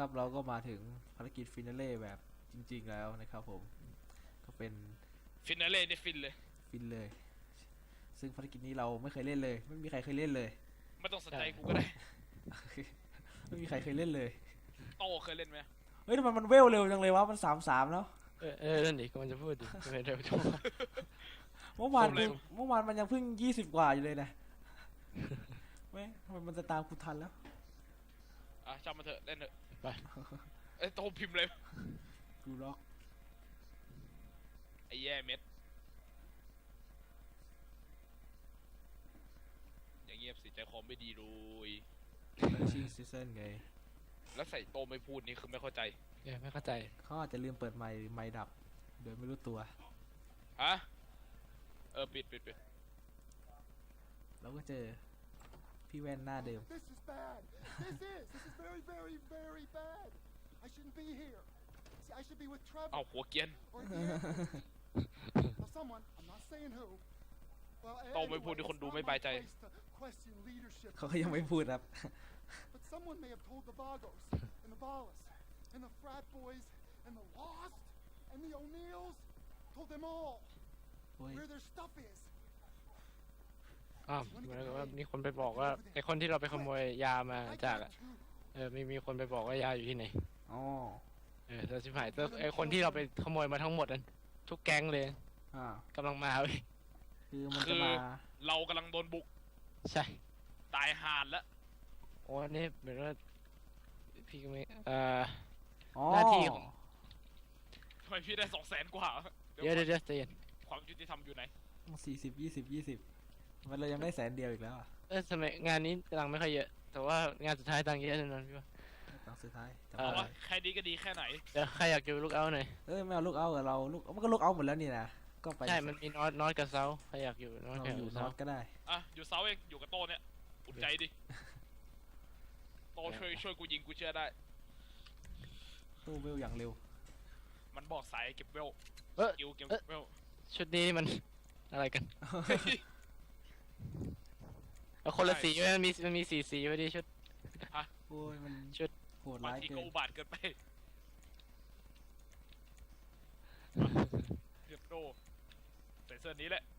ครับเราก็มาถึงภารกิจฟินาเล่แบบจริงๆแล้วนะครับผมก็เป็นฟินาเล่นี่ฟินเลยฟินเลยซึ่งภารกิจนี้เราไม่เคยเล่นเลยไม่มีใครเคยเล่นเลยไม่ต้องสนใจกูก็ได้ไม่มีใครเคยเล่นเลยโตเคยเล่นไหมเฮ้ยทำไมมันเวลเร็วจังเลยวะมัน3-3แล้วนั่นดิก็มันจะพูดดิทำไมเร็วจังวะเมื่อวานกูเมื่อวานมันยังเพิ่ง20กว่าอยู่เลยนะไม่ทำไมมันจะตามกูทันแล้วอ่ะจำมาเถอะเล่นเถอะไปเอ้ยโตพิมพ์เลยกูล็อกไอ้แย่เม็ดอย่างเงียบสิใจคอไม่ดีเลยชิงซีซั่นไงแล้วใส่โตไม่พูดนี่คือไม่เข้าใจไม่เข้าใจเขาอาจจะลืมเปิดไมค์ไมค์ดับโดยไม่รู้ตัวฮะปิดเราก็เจอพี่แว่นหน้าเดิม This is bad. This is very, very, very bad. I shouldn't be here. See, I should be with Trevor เอาหัวเกียน or the airport. Now, someone, I'm not saying who. Well, โตไม่พูด anyway, ที่คน it's ดู not ไม่ my บายใจ place to question leadership. เขาก็ยังไม่พูดครับ But someone may have told the Vagos and the Ballas and the frat boys and the Lost and the O'Neills, told them all โอ้ย where their stuff is. เหมือนกับว่ามีคนไปบอกว่าไอคนที่เราไปขโมยยามา I จาก got two. มีคนไปบอกว่ายาอยู่ที่ไหนอ๋อแต่ชิบหายไอคนที่เราไปขโมยมาทั้งหมดนั้นทุกแก๊งเลยอ่ากำลังมาเว้ยคือมันคืจะอมาเรากำลังโดนบุกใช่ตายห่านแล้วโอ้นี่เหมือนว่าพี่ก็ไม่อ๋อหน้าที่ของทำไมพี่ได้200,000กว่าเดี๋ยวใจเย็นความยุติธรรมอยู่ไหน 40 20 20มันเรายังได้100,000อีกแล้วอ่ะทำไมงานนี้ตังค์ไม่ค่อยเยอะ แต่ว่างานสุดท้ายตังค์เยอะแน่นอนพี่ว่าตังค์สุดท้ายจำเอเพอราะได้ว่าแค่นี้ก็ดีแค่ไหนเดี๋ยวใครอยากดูลูกเอาหน่อยไม่เอาลูกเอากับเราลูกมันก็ลูกเอาหมดแล้วนี่นะก็ไปใช่ มันมีน็อตกับเซาใครอยากอยู่น็อตเรากับอยู่นเซาอตก็ได้อ่ะอยู่เซาเองอยู่กับโตเนี่ยอุ่นใจดิโตช่วยกูยิงกูเชื่อได้ตู้เวลอย่างเร็วมันบอกสายเก็บเวลเออกิลเก็บเวลชุดนี้มันอะไรกันเอาคนละสีไว้มันมีสีไว้ดิชุดโอ้ยมันชุดโหดบางร้ายทีเกิก็นอุบาทเกินไปเรียบโดใส่เสื้อนี้แหละ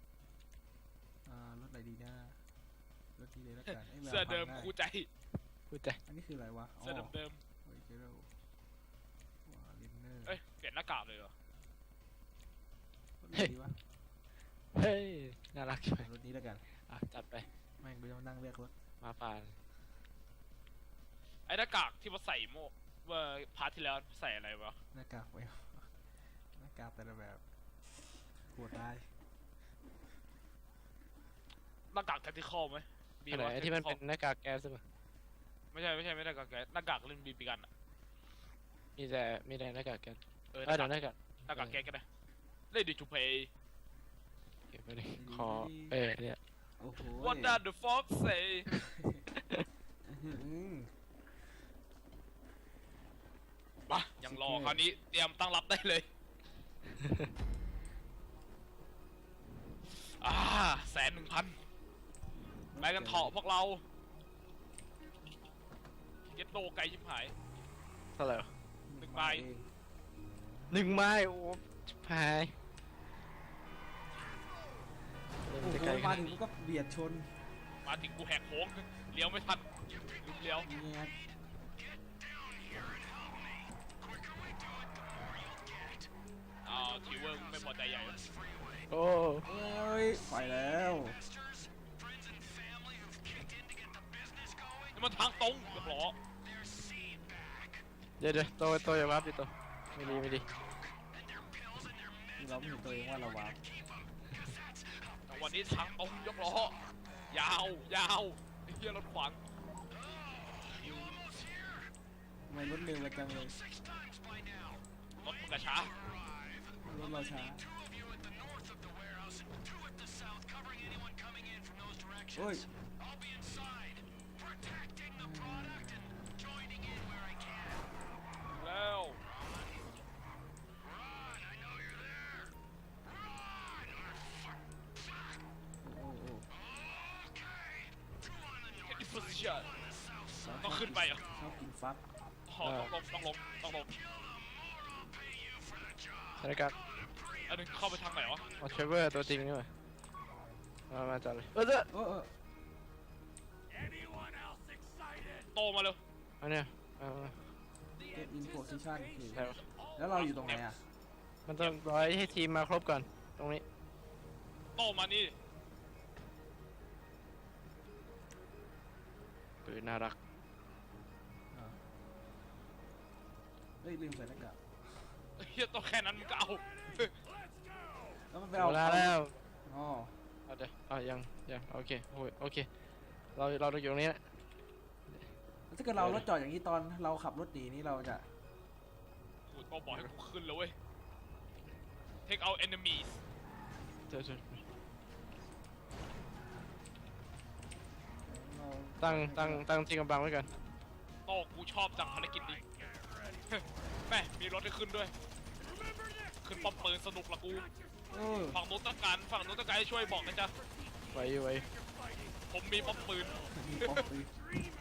รถไหนดีนะรถที่เลยแล้วกันไแววเสื้อเดิมพังไคู่ใจพูดใจอันนี้คืออะไรวะเสื้อเดิมโอ้ยเจโร่ว้าลินเนอร์เอ้ยเปลี่ยนหน้ากากเลยเหรอรถไหนดีวะเฮ้ยน่ารักใช่ไหมรถนี้แล้วกันจัดไปแม่งไปต้องนั่งเรียกรถมาผ่านไอ้หน้ากากที่มาใส่เมื่อพาร์ทที่แล้วใส่อะไรวะหน้ากากไปหน้ากากแต่ละแบบโหดร้ายหน้ากากแทคติคอลไหมอะไรไอ้ที่มันเป็นหน้ากากแก๊สใช่ไหมไม่ใช่ไม่หน้ากากแกหน้ากากเล่นบีบีกันอะมีแต่หน้ากากแก๊สเออหเดี๋น้ายวหกากน้ากากหน้ากากแกก็ได้เล่นดิจูเพย์เก็บไว้ดิคอเนี่ยโอ้โห What does the fox say อื้อหือมายังรอคราวนี้เตรียมตั้งรับได้เลย110,000ไปกันเถาะพวกเราเก็ตโดไกลชิบหายเท่าไหร่วะ 1 ใบเอง 1 ไม้โอ้ชิบหายโอ้มันจะโหไกลขมานาดถึงนี้ก็เบียดชนมาถึงกูแหกโค้งเลี้ยวไม่ทันลืมเลี้ยวเนี่ยทีเวิร์กไม่พอใจใหญ่โอ้เอ้ยไปแล้วนี่มันทางตรงเรียบร้อยเดี๋ยวโตอย่าวับดิโตไม่ดีเราไม่เห็นตัวเองว่าเราวาร์ปแต่วันนี้ทางตรงยกล้อยาวไอ้เหี้ยรถขวางทำไมรถเร็วจังเลยรถมึงกระช้ารถเราช้าโอ้ยแล้วโอ้โห get in position ต้องขึ้นไปเหรอชอบกินฟักต้องลงสถานการณ์อันนึงเข้าไปทางไหนวะเทรเวอร์ตัวจริงนี่หว่ามาจัดเลยเออโตมาเร็วอันเนี้ยเก็บอินโพซิชันแล้วแล้วเราอยู่ตรงไหนอ่ะมันต้องร้อยให้ทีมมาครบก่อนตรงนี้โตมานี่ปืนน่ารักเฮ้ยลืมใส่หน้ากากเฮียโตแค่นั้นมึงก็เอาแล้วมันไปเอาเอาแล้วอ๋อเอาเดี๋ยวยังโอเคโอเคเราอยู่ตรงนี้แหละแล้วถ้าเกิดเรารถจอดอย่างนี้ตอนเราขับรถหนีนี่เราจะกูโตบอกให้กูขึ้นเลยเว้ย take out enemies เจอเราตั้งที่กำบังไว้ก่อนโตกูชอบจังภารกิจนี้ แม่มีรถให้ขึ้นด้วย ขึ้นป้อมปืนสนุกละกู ฝั่งนู้นต้องการให้ช่วยบอกนะจ๊ะไว้ผมมีป้อมปืนมีป๊อปปืน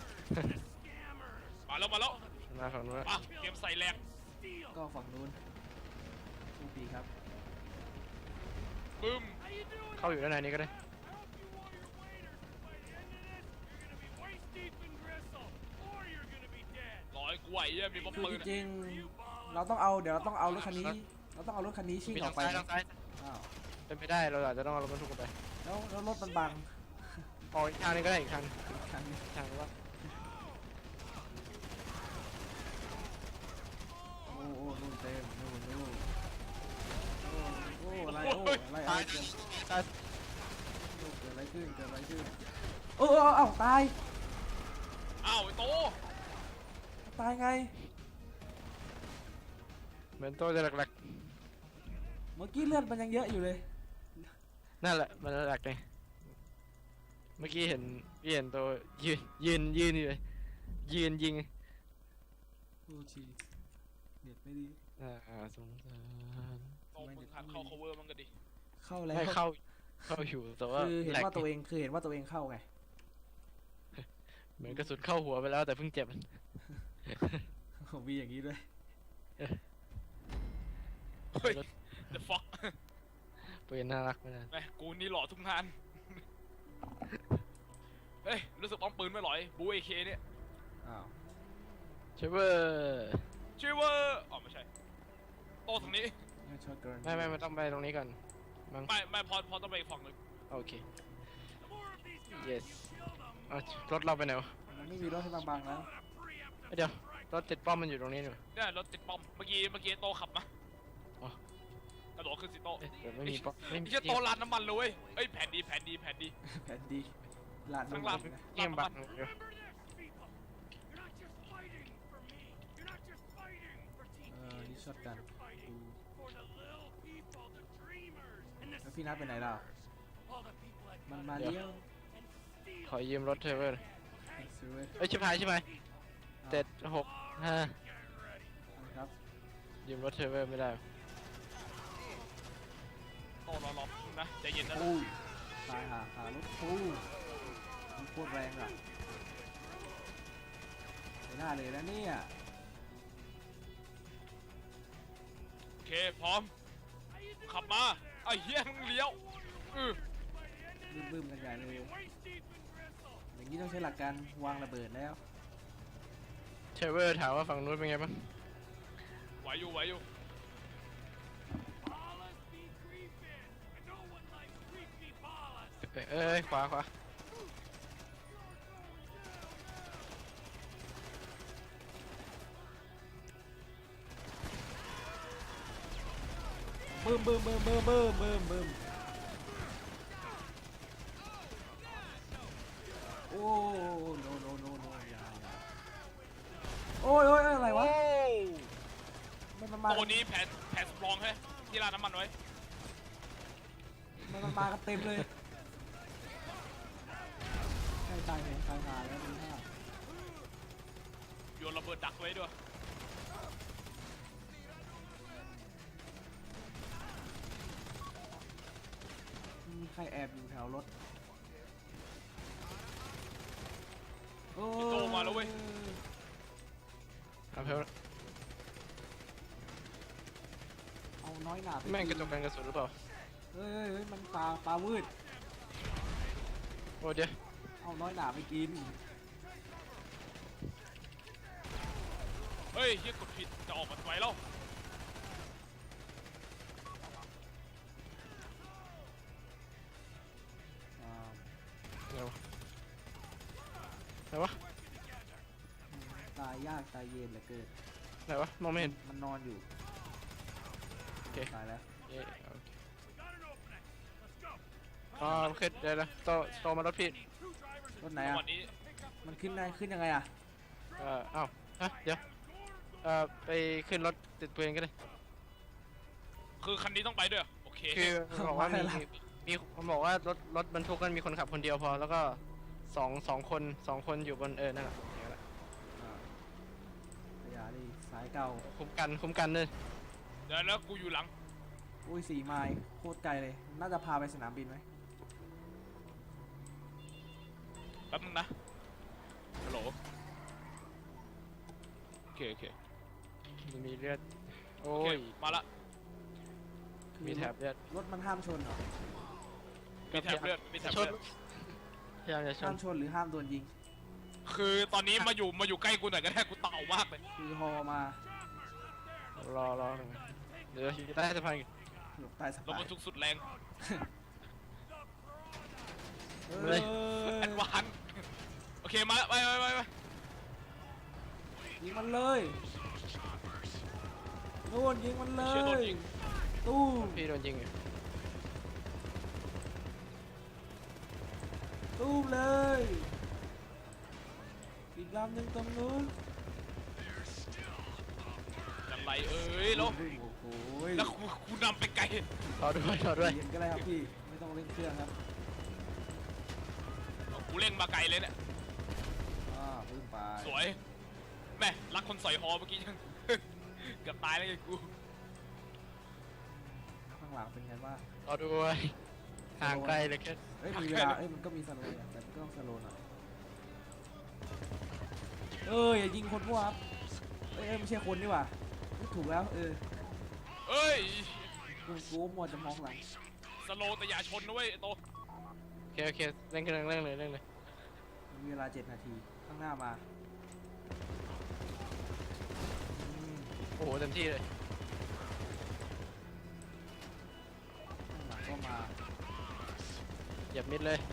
มาแล้วมาฝั่งนู้นมาเกมใส่แรงก็ฝั่งนู้นโชคดีครับบึ้มเข้าอยู่ด้านในนี้ก็ได้ร้อยกูไหวเนี่ยมีป้อมคือปืนจริงๆเราต้องเอาเดี๋ยวเราต้องเอารถคันนี้ชิ่งมีออทาก งไปซ้ายอ้าวเป็นไม่ได้เราอาจจะต้องเอารถบรรทุกกันไปแล้วรถมันบังออกอีกทางนึงก็ได้อีกทางคันนี้ทางว่าโอ้นู่นเต็มนู่นโอ้อะไรเกิดอะไรขึ้นเอ้าตายอ้าวไอ้โตตายไงเหมือนตัวจะหลักเมื่อกี้เลือดมันยังเยอะอยู่เลยๆนั่นแหละมันหลักเลยเมื่อกี้เห็นตัวยืนอยู่เลยยืนยิงโอ้ชีเน็ตไม่ดีสงสารโตมึงหัดเข้า cover มันก็ดีเข้าแล้วไม่เข้าอยู่แต่ว่าคือเห็นแหลกว่าตัวเองเข้าไงเหมือนกระสุนเข้าหัวไปแล้วแต่เพิ่งเจ็บผมมีอย่างนี้ด้วยเฮ้ย the fuck ปืนน่ารักไม่ได้แม่กูนี่หล่อทุกงาน เฮ้ยรู้สึกป้อมปืนไม่หล่อยบูเอเคเนี่ยอ้าวเชเวอร์ชื่อว่าอ๋อไม่ใช่โตทางนี้ไม่ชอบเกินไม่ต้องไปตรงนี้ก่อนมั้งไม่พอต้องไปอีกฝั่งหนึ่งโอเค yes เอารถเราไปไหนวะมันไม่มีรถให้บังๆแล้วเดี๋ยวรถติดป้อมมันอยู่ตรงนี้นี่หว่าเนี่ยรถติดป้อมเมื่อกี้โตขับมาอ๋อกระโดดขึ้นสิโตเดี๋ยวไม่มีป้อมไม่มีไอ้เหี้ยโตลานน้ำมันเลยเว้ยเอ้ยแผ่นดีแผนดีลาดข้างน้ำล่ามังนนะเกี่ยมบังอยู่นี่ช็อตกันแล้วพี่นัทไปไหนเรามันมาเลี้ยวขอยืมรถเทเวอร์ซื้อไว้เอ้ยชิบหาย765 ครับยืมรถเทเวอร์ไม่ได้โตรอนะใจเย็นนะปูตายหารถปูมันโคตรแรงอ่ะไม่น่าเลยนะเนี่ยโอเคพร้อมขับมาไอ้เหี้ยมึงเลี้ยวบึ้มกันใหญ่เลยอย่างนี้ต้องใช้หลักการวางระเบิดแล้วเทเวอร์ถามว่าฝั่งนู้นเป็นไงบ้างไหวอยู่เอ้ยขวาบึ้มโอ้โนอย่าโอ้ยอะไรวะมันมาโตนี้แผนสำรองให้ที่ร้านน้ำมันไว้มันมากันเต็มเลยใกล้ตายหาแล้วมีห้าโยนระเบิดดักไว้ด้วยมีใครแอบอยู่แถวรถโอ้โตมาแล้วเว้ยเอาเพลเอาน้อยหนาไปแม่งกกิระจกกันกระสุนหรือเปล่าเฮ้ยมันปลาวืดโอ้เดี๋ยวเอาน้อยหนาไปกินเฮ้ยเฮียกดผิดจะออกมาไว้แล้วอ่าไหนวะตายยากตายเย็นเหลือเกินไหนวะมองไม่เห็นมันนอนอยู่โอเคตายแล้วเย้โอเคอ๋อโอเคเดี๋ยวนะโตมารถผิดรถไหนจังอ่ะหวะนี้มันขึ้นได้ขึ้นยังไงอ่ะเอ้าฮะเดี๋ยวไปขึ้นรถติดปืนก็ได้คือคันนี้ต้องไปด้วยเหรอโอเคคือมันบอกว่ามีมันบอกว่ารถบรรทุกกันมีคนขับคนเดียวพอแล้วก็สองคนอยู่บนนั่นแหละอย่างนั้นแหละอ่าขยะดิสายเก่าคุ้มกันเลยเดี๋ยวแล้วกูอยู่หลังอุ้ย4 ไมล์โคตรไกลเลย น่าจะพาไปสนามบินไหมแป๊บนึงนะฮัลโหลโอเคโอเคมันมีเลือดโอ้โอเคยมาละคือมีแถบเลือดรถมันห้ามชนเหรอมีแถบเลือดมีแถบชเลืนอดพยายามจะชห้าน มชนหรือห้ามโดนยิงคือตอนนี้มาอยู่ใกล้กูหน่อยก็ได้กูเต่ามากเลยคือฮอมารอหน่อยเดี๋ยวอยู่ใต้สะพานอีกหลบใต้สะรถพานบรรทุกสุดแรงเลยแอดวานซ์โอเคมาละไปยิงมันเลยนู่นยิงมันเลเชื่อโดนยยิงตู้มพี่โดนยิงอยู่ตู้มเลยอีกลำหนึ่งตรงนู้นยังไรเอ้ยแล้วโอ้โหแล้วกูนำไปไกลรอด้วยเย็นก็ได้ครับพี่ไม่ต้องเล่นเครื่องครับกูเร่งมาไกลเลยเนี่ยพึ่งไปสวยแม่รักคนสอยฮอเมื่อกี้ยัง เกือบตายแล้วไงกูข้างหลังเป็นไงบ้างรอด้วยห่างไกลเลยแค่เอ้ยมีเวลาเอ้ยมันก็มีสโลว์อะแต่มันก็ต้องสโลว์หน่อยอย่ายิงคนมั่วครับไม่ใช่คนดีกว่าถูกแล้วเอ้ยกูมัวจะมองหลังสโลว์แต่อย่าชนนะเว้ยไอ้โตโอเคเร่งเลยมีเวลา7 นาทีข้างหน้ามาโอ้โหเต็มที่เลยข้างหลังก็มาเหยียบมิดเลย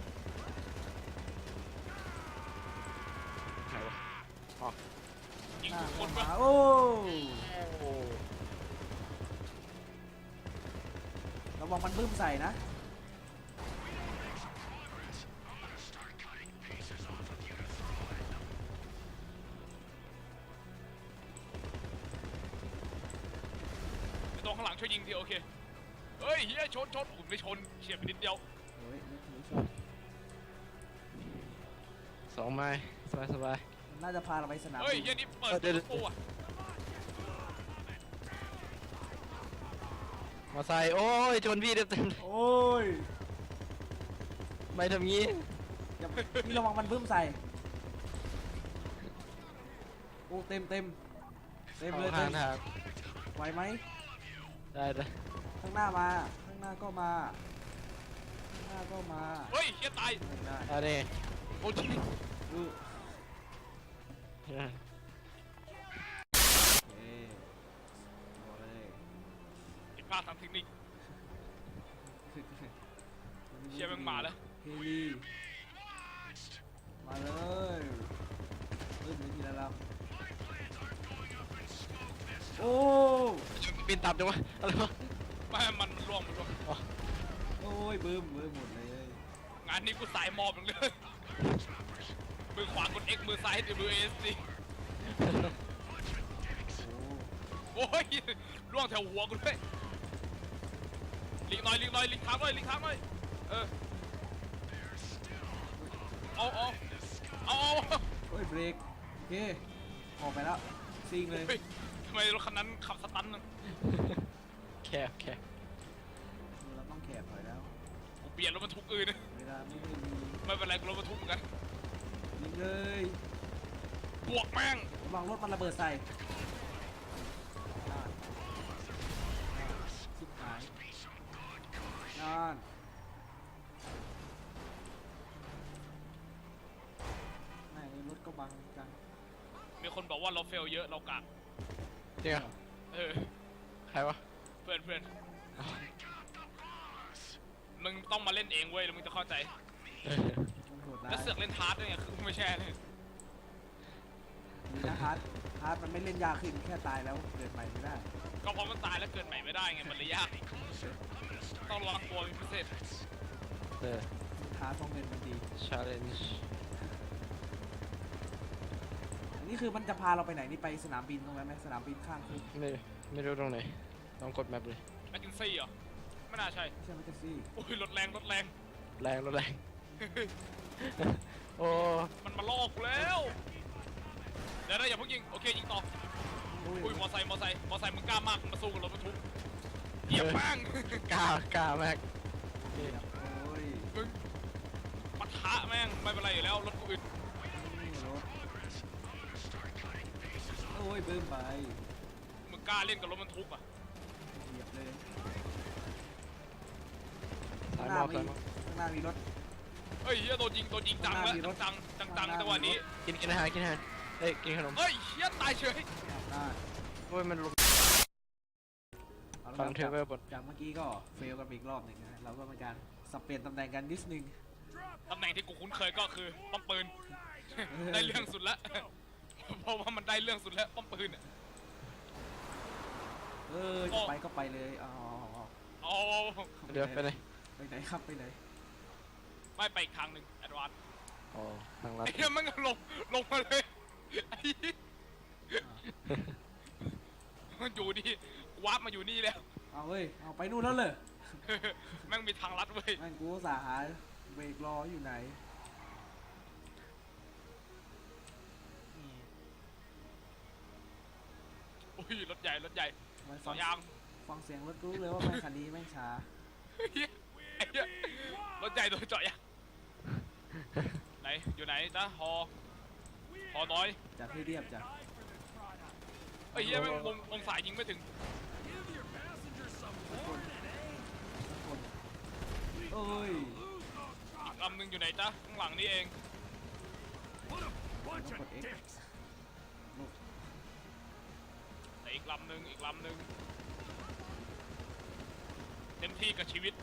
ไหนวะยิงหน้าทุกคก็นมาปะโอ้โอ้ระวังมันบึ้มใส่นะไอ้โตข้างหลังช่วยยิงทีโอเคเฮ้ยเฮียชนผมไม่ชนเฉียดไปนิดเดียวเฮ้ยไม่ชน 2 ไม้สบายมันน่าจะพาเราไปสนามเฮ้ยบินเฮียนี่เปิดประตูอ่ะมาใส่โอ้ยชนพี่เต็มโอ้ยไม่ทำงี้อย่าพี่ระวังมันบึ้มใส่โอ้เต็มเลยห่างไหวไหมได้ข้างหน้ามาข้างหน้าก็มาข้างหน้าก็มาเฮ้ยเฮียตายไม่ได้อันนี้โอ้ยอือเอ๊ะเอาเลยผิดพลาดทางเทคนิคเชียร์แม่งมาแล้วเฮลีมาเลยบึ้มไปทีละลำโอ้บินตับจังวะอะไรวะไม่มันล่วงโอ้ยบึ้มหมดเลยงานนี้กูสายมอบอย่างเลยมือขวากด X มือซ้าย WASD โอ้โอ้ยล่วงแถวหัวกูด้วยลิงหน่อยลิงทางหน่อยเออเอาโอ้ยเบรกโอเคออกไปแล้วซิงเลยเฮ้ยทำไมรถคันนั้นขับสตันน่ะแคบเราต้องแคบหน่อยแล้วกูเปลี่ยนรถบรรทุกอื่นนะเวลาไม่ได้มีไม่เป็นไรกูรถบรรทุกเหมือนกันยิงเลยบวกแม่งระวังรถมันระเบิดใส่นั่นแม่งรถก็บังจังมีคนบอกว่าเราเฟลเยอะเรากากจริงเหรอเออใครวะเพื่อนมึงต้องมาเล่นเองเว้ยแล้วมึงจะเข้าใจมันโหดร้ายแล้วเสือกเล่นทาร์ดด้วยไงคือไม่ใช่เลยดีนะฮาร์ดมันไม่เล่นยากขึ้นแค่ตายแล้วเกิดใหม่ไม่ได้ก็เพราะมันตายแล้วเกิดใหม่ไม่ได้ไงมันเลยยากต้องระวังตัวเป็นพิเศษฮาร์ดเพราะเงินมันดี challenge อันนี้คือมันจะพาเราไปไหนนี่ไปสนามบินตรงนั้นไหมสนามบินข้างคุกไม่รู้ตรงไหนต้องกดแมปเลยแมคกินซี่เหรอไม่น่าใช่ไม่ใช่มันจะซี่โอ้ยรถแรงรถแรงโอ้มันมาล่อกูแล้วเดี๋ยวอย่าเพิ่งยิงโอเคยิงต่ออุ้ยมอไซค์มึงกล้ามากมึงมาสู้กับรถบรรทุกเหยียบแม่งกล้ามากโอ้ยมึงปะทะแม่งไม่เป็นไรอยู่แล้วรถกูอึดนี่รถโอ้ยเบิ่มไปมึงกล้าเล่นกับรถบรรทุกอ่ะเหยียบเลยสายมอบข้างหน้ามีรถเฮ้ยเฮียโดนยิงจังแล้วจังจังวันนี้กินอาหารเอ้ยกินขนมเฮ้ยเฮียตายเฉยได้โอ้ยมันลงเอาละฟังครับเทเวอร์บทจากเมื่อกี้ก็เฟลกันไปอีกรอบหนึ่งนะเราก็เป็นการสับเปลี่ยนตำแหน่งกันนิดนึงตำแหน่งที่กูคุ้นเคยก็คือป้อมปืน ได้เรื่องสุดละเพราะว่ามันได้เรื่องสุดแล้วป้อมปืนอ่ะจะไปก็ไปเลยอ๋อเอาเดี๋ยวไปไหนไปไหนครับไปไหนไม่ไปอีกทางหนึ่งแอดวานซ์อ๋อทางลัดไอ้เหี้ยมันลงมาเลยไอ้เหี้ยมันอยู่นี่วาร์ปมาอยู่นี่แล้วเอาเว้ยเอาไปนู่นแล้วเลยแม่งมีทางลัดเว้ยแม่งกูอุตสาห์หาเบรกรออยู่ไหนอุ้ยรถใหญ่สฟัอง งยางฟังเสียงรถกูรู้เลยว่าแม่งคันนี้แม่งช้าเหี้ยไอ้เหี้ยรถใหญ่โดนเจาะยางไหนอยู่ไหนจ๊ะฮอน้อยจากที่เรียบจากไอ้เหี้ยแม่งวงสายยิงไม่ถึงเอ้ยอีกลำหนึ่งอยู่ไหนจ๊ะข้างหลังนี่เองกด X แต่อีกลำหนึ่งเต็มที่กับชีวิต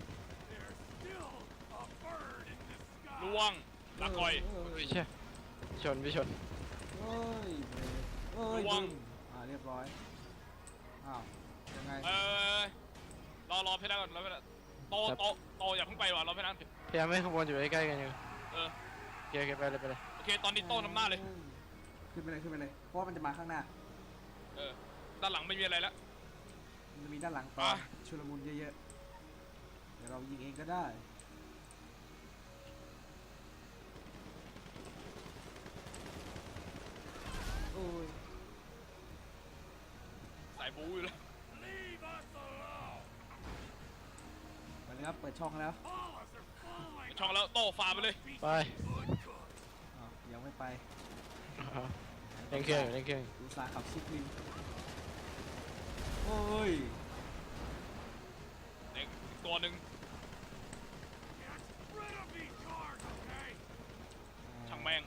ล่วงลาก่อยพี่ชพี่ชนเอ้ยเอ้ยระวังบึ้มเรียบร้อยอ้าวยังไงรอเพชรก่อนรอเพชรโตอย่าเพิ่งไปว่ะรอเพชรพยายามให้ขบวนอยู่ใกล้ๆกันอยู่เออโอเคไปเลยโอเคตอนนี้โตนำหน้าเลยขึ้นไปเลยเพราะว่ามันจะมาข้างหน้าเออด้านหลังไม่มีอะไรแล้วมันจะมีด้านหลังตอนชุลมุนเยอะๆเดี๋ยวเรายิงเองก็ได้โอ้ยสายบู๊อยู่แล้วไปเลยครับเปิดช่องแล้วช่องแล้วโตฟาไปเลยไปอ้าวยังไม่ไปเล่นเครื่องอุตส่าห์ขับชิปลิงโอ้ยเด็กตัวหนึ่งช่างแม่ง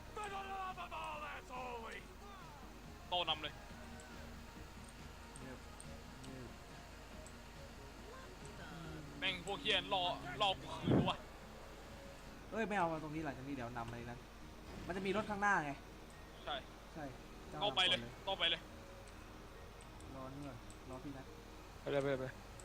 โตนำเลยเงียบแม่งพวกเฮียนรอกูคืนด้วยเอ้ยไม่เอามาตรงนี้หลังจากนี้เดี๋ยวนำอะไรนั้นมันจะมีรถข้างหน้าไงใช่ใช่จ้าโตไปเลยนำก่อนโตไปเลยรอนี่ก่อนรอพี่นะไปเลย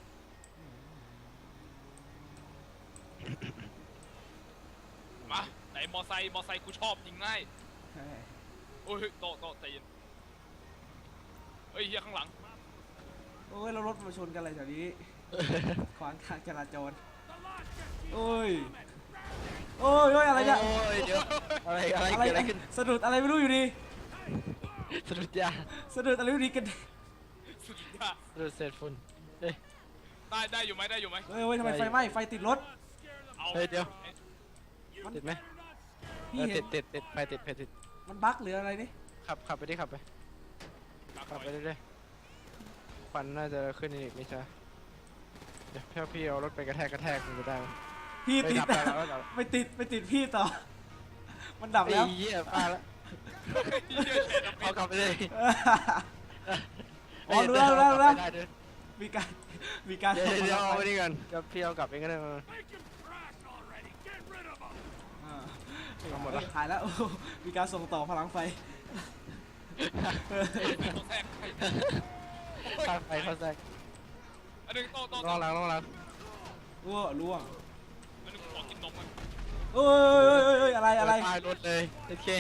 มาไหนมอไซค์กูชอบยิงง่ายใช่โอ้ยโตใจเย็นเฮ้ยเฮียข้างหลังโอ้ยเรารถมาชนกันอะไรแถวนี้ ขวางทางจราจรโอ้ยอะไรเนี่ยโอ้ยเดี๋ยวอะไรเกิดอะไรขึ้นสะดุดอะไรไม่รู้อยู่ดีสะดุดยาสะดุดอะไรไม่รู้ดีกันสุดยอดสะดุดเศษฝุ่นเฮ้ยได้อยู่ไหมเฮ้ยทำไมไฟไหม้ไฟติดรถเอาเฮ้ยเดี๋ยว ติดไหมพี่เห็นติดไฟติดมันบั๊กหรืออะไรนี่ขับไปขับไปเรื่อยๆควันน่าจะขึ้นอีกไม่ใช่เดี๋ยวพี่เอารถไปกระแทกมันจะได้ไหมพี่ไม่ติดดับแล้วแล้วไปติดพี่ต่อ มันดับแล้วไอ้เหี้ยป้าแล้วเหี้ยเฉยนะเอากลับไปเลยอ๋อรู้แล้วรู้แล้วรู้แล้วได้ด้วยมีการมีการเดี๋ยวส่งเดี๋ยวเอาพลังไว้ไปนี่ก่อนเดี๋ยวพี่เอากลับเองก็ได้มาอ่าเอาหมดละหายแล้วโอ้มีการส่งต่อพลังไฟต้องแทรกใครข้างไปเข้าแทรกอันหนึงโตลองหลังอ้วล่วงอันหนึงขอกินนมมันเอ้ยอะไรอะไรตายรถเลยโอเค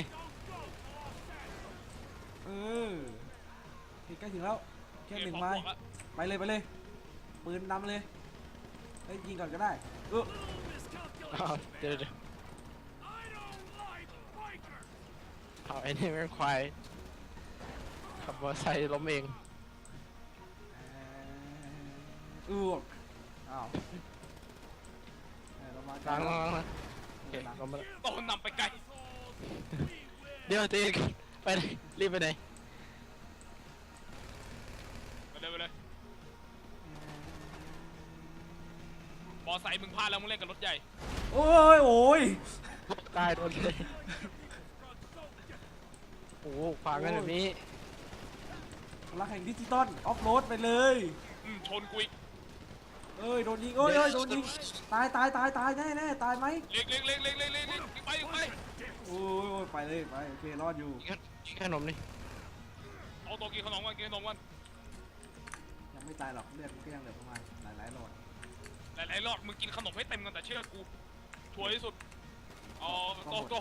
เออใกล้ถึงแล้วแค่หนึ่งพอไม้บวกละไปเลยปืนนำเลยเฮ้ยยิงก่อนก็ได้เออเอาเดี๋ยวเอาไอ้นี่แม่งควายขับมอเตอร์ไซค์ล้มเองอ้าวเรามาล้างแล้วนะโอเคล้มมาแล้วโตนำไปไกลเดี๋ยวตีกันไปไหนรีบไปไหนไปเลยบอไซค์มึงพลาดแล้วมึงเล่นกับรถใหญ่โอ้ยตายโดนเลยโอ้โหขวางกันแบบนี้พลังแห่งดิจิตอลออฟโรดไปเลยชนกูอีกเอ้ยโดนยิงโอ้ยโดนยิงตายแน่ตายไหมเล็กไปโอ้ยไปเลยไปโอเครอดอยู่กินขนมนี่เอาตัวกินขนมกันยังไม่ตายหรอกเลือดมันก็ยังเหลือประมาณหลายหลอดหลายๆรอบมึงกินขนมให้เต็มกันแต่เชื่อกูชัวร์ที่สุดอ๋อโตโอ้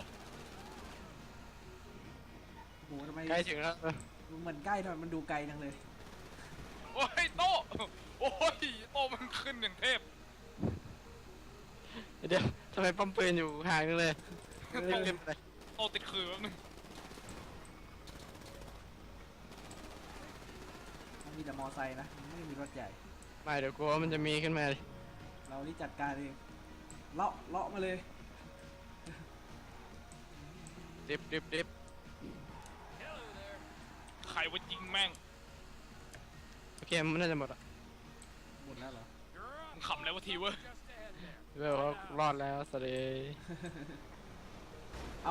โหทำไมใกล้ถึงแล้วเหมือนใกล้ทำไมมันดูไกลจังเลยโอ้ยโตมันขึ้นอย่างเทพเดี๋ยวทำไมปั๊มปืนอยู่ห่างจังเลยรีบเก็บไปโตติดคือแป๊บนึงมันมีแต่มอไซค์นะมันไม่มีรถใหญ่ไม่เดี๋ยวกลัวมันจะมีขึ้นมาเลยเรานี่จัดการเองเลาะมาเลยดิบใครว่ายิงแม่งโอเคมันน่าจะหมดอ่ะหมดแล้วเหรอมึงขำแล้วว่าทีเว้ยเว้ยว่ารอดแล้วสวัสดีเอา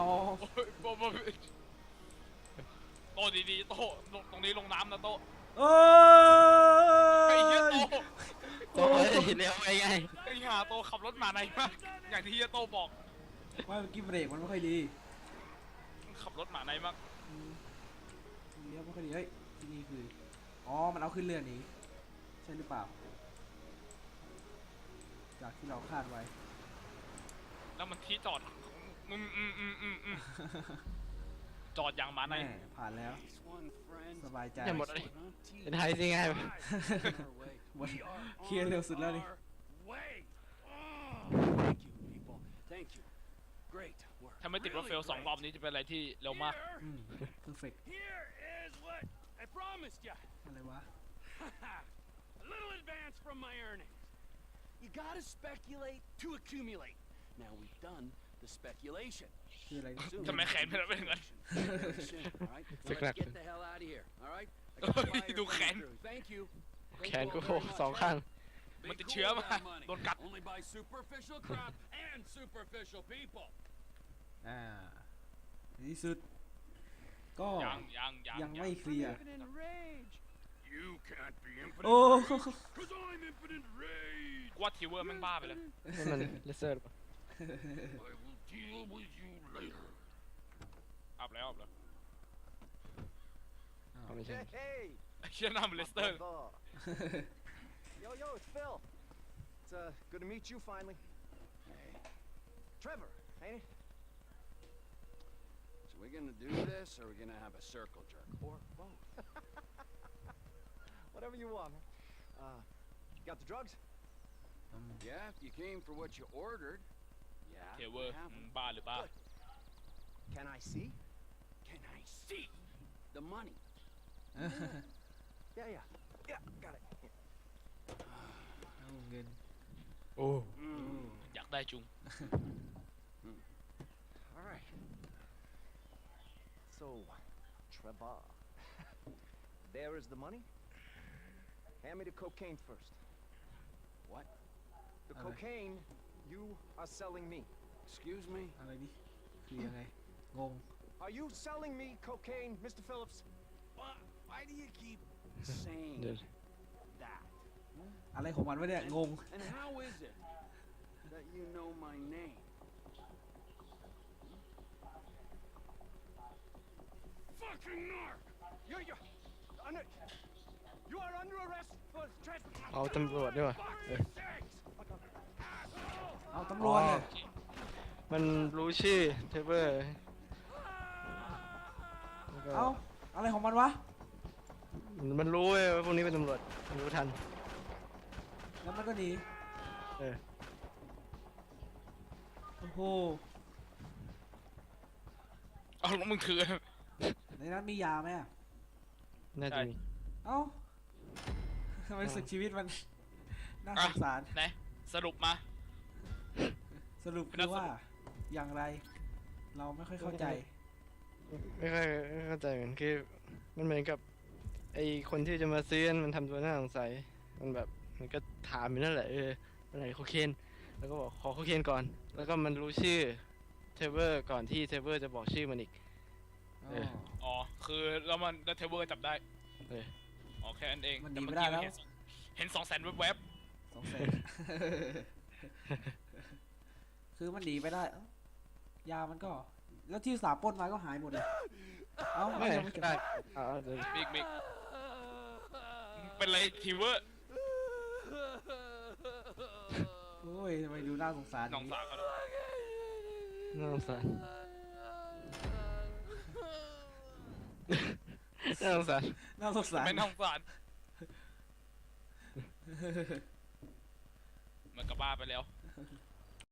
โตดีๆโตตรงนี้ลงน้ำนะโตเอ้ไอ้เหี้ยยโตโอ้ยเร็วไงไอ้ห่าโตขับรถมาในมากอย่างที่เฮียโตบอกว่าเมื่อกี้เบรกมันไม่ค่อยดีขับรถมาในมากเลี้ยวไม่ค่อยดีเฮ้ยที่นี่คืออ๋อมันเอาขึ้นเรือหนี้ใช่หรือเปล่า จากที่เราคาดไว้แล้วมันที่จอดจอดอย่างมาในแม่ผ่านแล้ว สบายใจจะหมดเลยเป็นไทยสิง่ายหมดเคลียร์เร็วสุดแล้วนี่ถ้าไม่ติดรถเฟล2 รอบนี้จะเป็นอะไรที่เร็วมากเพอร์เฟกต์ Here is what I promised you. อะไรวะ A little advance from my earnings. You gotta speculate to accumulate. Now we've done the speculation. คืออะไร Soon ทำไมแขนเป็นอะไรอย่างนั้น very soon, all right? Now let's get the hell out of here, all right? I got Ôi, fire đồ coming khén. through. Thank you. แขนกูสองข้างมันติดเชื้อมาโดนกัด Only by superficial crap and superficial people. ในที่สุด ก็ ยังไม่เคลียร์ Infinite rage. You can't be โอ้ infinite because I'm infinite rage. กูว่าทีเวอร์แม่งบ้าไปแล้วนี่มันเลเซอร์หรือเปล่า I will deal with you later. อัพแล้วเอาไม่ใช่ Hey, ไอ้เชี่ยหน้ามันเลสเตอร์ yo, it's Phil. It's good to meet you finally. Trevor, ain't it? So we're gonna do this, or we're gonna have a circle jerk, or both. Whatever you want, man. You got the drugs? Yeah, if you came for what you ordered. Yeah, เทเวอ we ร์ have 'em. บ้าหรือบ้า Can I see? Can I see the money? Yeah, got it. เอาเงินโอ้อยากได้จุง All right. So, Trevor, there is the money. Hand me the cocaine first. What? The Okay. cocaine you are selling me. Excuse me? อะไรนี่คือยังไงงง Are you selling me cocaine, Mr. Phillips? Why do you keep saying เดี๋ยว that? อะไรของมันวะเนี่ยงง And how is it that you know my name? Fucking narc! Under, you are under arrest for trespassing. เอาตำรวจด้วยวะเอาตำรวจเลยมันรู้ชื่อเทเบอร์แล้วก็เอาอะไรของมันวะมันรู้เว้ยว่าพวกนี้เป็นตำรวจมันรู้ทันแล้วมันก็หนีเออโอ้โหเอาแล้วมึงถือในนั้นมียาไหมอะน่าจะมีเอ้าทำไมรู้สึกชีวิตมันน่าสงสารไหนสรุปมาสรุปคือว่าอย่างไร เราไม่ค่อยเข้าใจไม่ค่อยเข้าใจเหมือนคือมันเหมือนกับไอคนที่จะมาซื้อมันทำตัวน่าสงสัยมันแบบมันก็ถามอยู่นั่นแหละอะไรโคเคนแล้วก็บอกขอโคเคนก่อน แล้วก็มันรู้ชื่อเทเบอร์ก่อนที่เทเบอร์จะบอกชื่อมันอีก เอออ๋อคือแล้วมันแล้วเทเวอร์จับได้เอออ๋อแค่นั้นเองมันหนีแต่ไม่ได้แล้วเห็น200,000แวบ 200,000 คือมันหนีไปได้เอ้ายามันก็ แล้วที่สาปล้นมาก็หายหมดเลย เอ้าไม่ยังไม่เก็บได้เดี๋ยวๆมิกเป็นไรเทเวอร์โอ้ยทำไมดูน่าสงสารน้องสาวเขาด้วยน่าสงสารน่าสงสารน่าสงสารไม่น่าสงสารมันก็บ้าไปแล้ว